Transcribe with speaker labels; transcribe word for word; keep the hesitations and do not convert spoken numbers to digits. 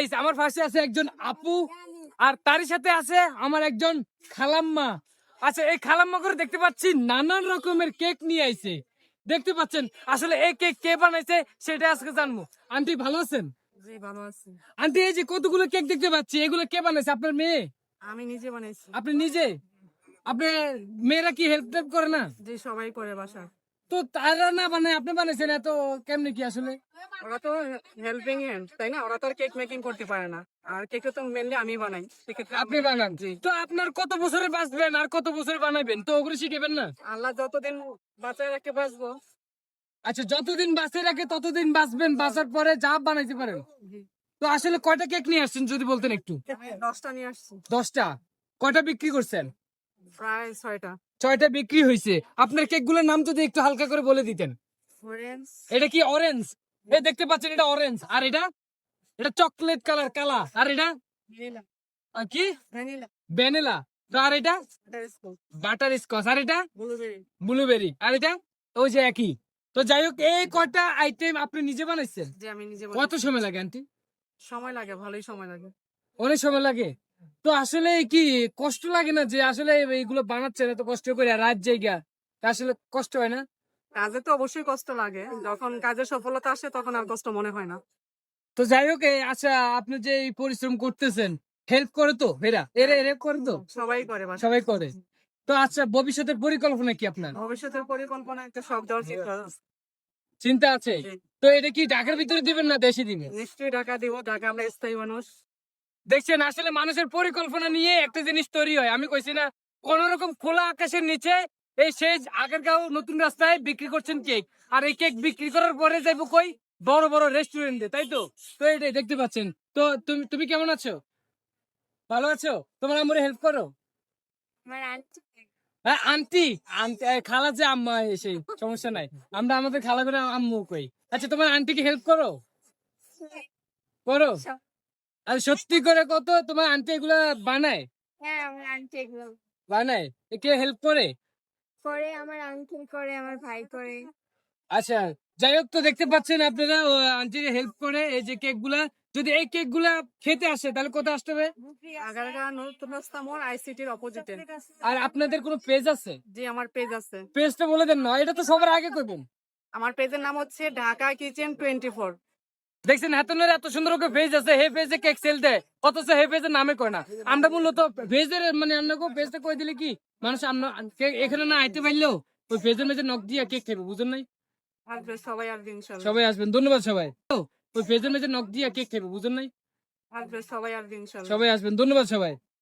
Speaker 1: Guys আমার পাশে আছে একজন আপু আর তারই সাথে আছে আমার একজন খালাম্মা। আচ্ছা এই খালাম্মা করে দেখতে পাচ্ছি নানান রকমের কেক নিয়ে আইছে। দেখতে পাচ্ছেন আসলে এই কেক কে বানাইছে সেটা আজকে জানবো। আন্টি ভালো আছেন?
Speaker 2: জি ভালো আছি।
Speaker 1: আন্টি এই যে কতগুলো কেক দেখতে পাচ্ছি এগুলো কে বানাইছে? আপনার মেয়ে?
Speaker 2: আমি নিজে বানাইছি।
Speaker 1: আপনি নিজে? আপনি মেয়েরা কি হেল্প টেল্প করে না?
Speaker 2: যে সবাই করে বাসা।
Speaker 1: তো তারা না বানায় আপনি বানাইছেন এত কেমনে কি আসলে?
Speaker 2: ওরা তো হেল্পিং হ্যান্ড তাই না, ওরা তো আর কেক মেকিং করতে পারে না, আর কেকটা তো মেনলি আমি বানাই। সেক্ষেত্রে
Speaker 1: আপনি বানান? তো আপনার কত বছরে বাঁচবেন আর কত বছরে বানাবেন তো ওগুলো শিখাবেন না?
Speaker 2: আল্লাহ যতদিন বাঁচায় রাখতে বাঁচবো।
Speaker 1: আচ্ছা যতদিন বাঁচে রাখে ততদিন বাঁচবেন, বাঁচার পরে যা বানাইতে পারেন। তো আসলে কয়টা কেক নিয়ে আসছেন যদি বলতেন একটু?
Speaker 2: দশটা নিয়ে আসছি।
Speaker 1: দশটা? কয়টা বিক্রি করছেন?
Speaker 2: প্রায় ছয়টা।
Speaker 1: ছয়টা বিক্রি হয়েছে। আপনার কেক গুলোর নাম যদি একটু হালকা করে বলে দিতেন।
Speaker 2: অরেঞ্জ,
Speaker 1: এটা কি অরেঞ্জ? এই দেখতে পাচ্ছেন এটা অরেঞ্জ, আর এটা এটা চকলেট কালার কালা, আর এটা
Speaker 2: ভ্যানিলা,
Speaker 1: আর কি
Speaker 2: ভ্যানিলা,
Speaker 1: ভ্যানিলা, তো আর এটা
Speaker 2: বাটারস্কচ,
Speaker 1: বাটার স্কচ, আর এটা
Speaker 2: ব্লুবেরি।
Speaker 1: ব্লুবেরি, আর এটা ওই যে একই। তো যাই হোক এই কয়টা আইটেম আপনি নিজে বানাইছেন?
Speaker 2: যে আমি নিজে
Speaker 1: কত
Speaker 2: বানাই।
Speaker 1: সময় লাগে আন্টি?
Speaker 2: সময় লাগে, ভালোই সময় লাগে।
Speaker 1: অনেক সময় লাগে। তো আসলে কি কষ্ট লাগে না যে আসলে এইগুলো বানাচ্ছেন এত কষ্ট করে রাত জায়গা? আসলে কষ্ট হয় না?
Speaker 2: কাজে তো অবশ্যই কষ্ট লাগে, যখন কাজের সফলতা আসে তখন আর কষ্ট মনে হয় না।
Speaker 1: তো যাই হোক এই আচ্ছা আপনি যে এই পরিশ্রম করতেছেন হেল্প করে তো এরা এরা হেল্প করে তো?
Speaker 2: সবাই করে বাসা।
Speaker 1: সবাই করে। তো আচ্ছা ভবিষ্যতের পরিকল্পনা কি আপনার?
Speaker 2: ভবিষ্যতের পরিকল্পনা একটা সব দেওয়ার চিন্তা আছে।
Speaker 1: চিন্তা আছে?
Speaker 2: জি।
Speaker 1: তো এটা কি ঢাকার ভিতরে দিবেন না দেশে দিবেন?
Speaker 2: নিশ্চয়ই টাকা দিব, টাকা আমরা স্থায়ী মানুষ।
Speaker 1: দেখছেন আসলে মানুষের পরিকল্পনা নিয়ে একটা জিনিস তৈরি হয়। আমি কইছি না কোন রকম খোলা আকাশের নিচে এই সেই আগারগাঁও নতুন রাস্তায় বিক্রি করছেন কেক, আর এই কেক বিক্রি করার পরে যাইবো কই বড় বড় রেস্টুরেন্টে, তাই তো? তো এটাই দেখতে পাচ্ছেন। তো তুমি তুমি কেমন আছো? ভালো আছো? তোমার আম্মুরে হেল্প করো?
Speaker 3: আমার আন্টি
Speaker 1: হ্যাঁ আন্টি আন্টি এ, খালা যে আম্মা এসে সমস্যা নাই, আমরা আমাদের খালা করে আম্মু কই। আচ্ছা তোমার আন্টিকে হেল্প করো? করো? আর সত্যি করে কত তোমার আন্টি এগুলা বানায়?
Speaker 3: হ্যাঁ আমার আন্টি এগুলো
Speaker 1: বানায়? এ কে হেল্প করে?
Speaker 3: করে, আমার আঙ্কেল করে, আমার ভাই করে।
Speaker 1: আচ্ছা যাই হোক, তো দেখতে পাচ্ছেন আপনারা আন্টির হেল্প করে এই যে কেক গুলা। যদি এই কেক গুলা খেতে আসে তাহলে কোথায় আসতে হবে?
Speaker 2: আগারগাঁও নতুন রাস্তা মোড়, আইসিটির অপোজিটে।
Speaker 1: আর আপনাদের কোনো পেজ আছে?
Speaker 2: জি আমার পেজ আছে।
Speaker 1: পেজটা বলে দেন না, এটা তো সবার আগে করবেন।
Speaker 2: আমার পেজের নাম হচ্ছে ঢাকা কিচেন টোয়েন্টি ফোর।
Speaker 1: দেখছেন হাতনের এত সুন্দর করে পেজ আছে, হে পেজে কেক সেল দেয়, অথচ হে পেজের নামে কয় না। আমরা মূলত পেজের মানে আপনাকে পেজটা কই দিলে কি মানুষ আমরা কে- এখানে না আইতে পারলেও ওই পেজের মেজে নক দিয়ে কেক খাবে, বুঝুন নাই?
Speaker 2: আসবে সবাই, আসবে ইনশাল্লাহ।
Speaker 1: সবাই আসবেন, ধন্যবাদ সবাই। তো, ওই পেজের মেজে নক দিয়ে কেক খাবে, বুঝুন নাই?
Speaker 2: আসবে সবাই, আসবে ইনশাল্লাহ।
Speaker 1: সবাই আসবেন, ধন্যবাদ সবাই।